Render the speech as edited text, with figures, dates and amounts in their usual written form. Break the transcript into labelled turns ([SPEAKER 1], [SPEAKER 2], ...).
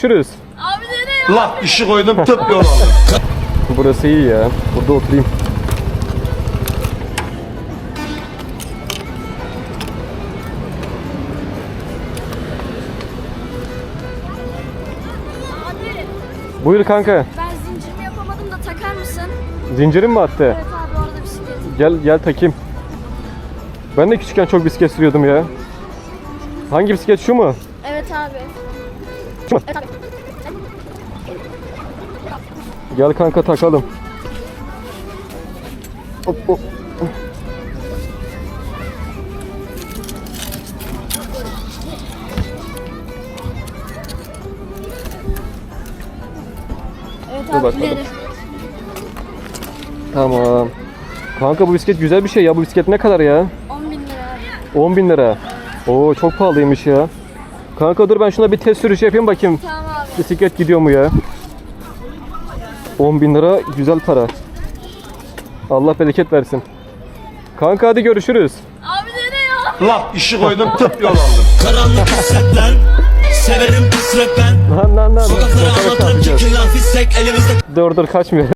[SPEAKER 1] Görüşürüz.
[SPEAKER 2] Abi nereye?
[SPEAKER 3] Lan işi koydum tıp yol aldım.
[SPEAKER 1] Burası iyi ya. Burada oturayım.
[SPEAKER 2] Abi
[SPEAKER 1] Buyur kanka.
[SPEAKER 2] ben zincirimi yapamadım da takar mısın?
[SPEAKER 1] Zincirin mi attı?
[SPEAKER 2] Evet abi orada bisiklet.
[SPEAKER 1] Gel takayım. Ben de küçükken çok bisiklet sürüyordum ya. Hangi bisiklet, şu mu?
[SPEAKER 2] Evet abi.
[SPEAKER 1] Şu mu?
[SPEAKER 2] Evet abi.
[SPEAKER 1] Gel kanka takalım. Hop hop.
[SPEAKER 2] Evet
[SPEAKER 1] Dur
[SPEAKER 2] abi
[SPEAKER 1] bakalım.
[SPEAKER 2] ileri.
[SPEAKER 1] Tamam. Kanka bu bisiklet güzel bir şey ya. Bu bisiklet ne kadar ya?
[SPEAKER 2] 10.000 lira abi.
[SPEAKER 1] 10.000 lira. Oo çok pahalıymış ya. Kanka dur ben şuna bir test sürüşü yapayım bakayım.
[SPEAKER 2] Tamam abi.
[SPEAKER 1] Bisiklet gidiyor mu ya? 10.000 lira güzel para. Allah bereket versin. Kanka hadi görüşürüz.
[SPEAKER 2] Abi nereye?
[SPEAKER 3] Lan işi koydum tıp yol aldım.
[SPEAKER 4] Karanlık hissetler, severim pis rap ben.
[SPEAKER 1] Lan.
[SPEAKER 4] Sokaklara
[SPEAKER 1] Sokaklara
[SPEAKER 4] anlatırım
[SPEAKER 1] çarpacağız.
[SPEAKER 4] çekilen fissek elimizde.
[SPEAKER 1] Dur kaçmıyor.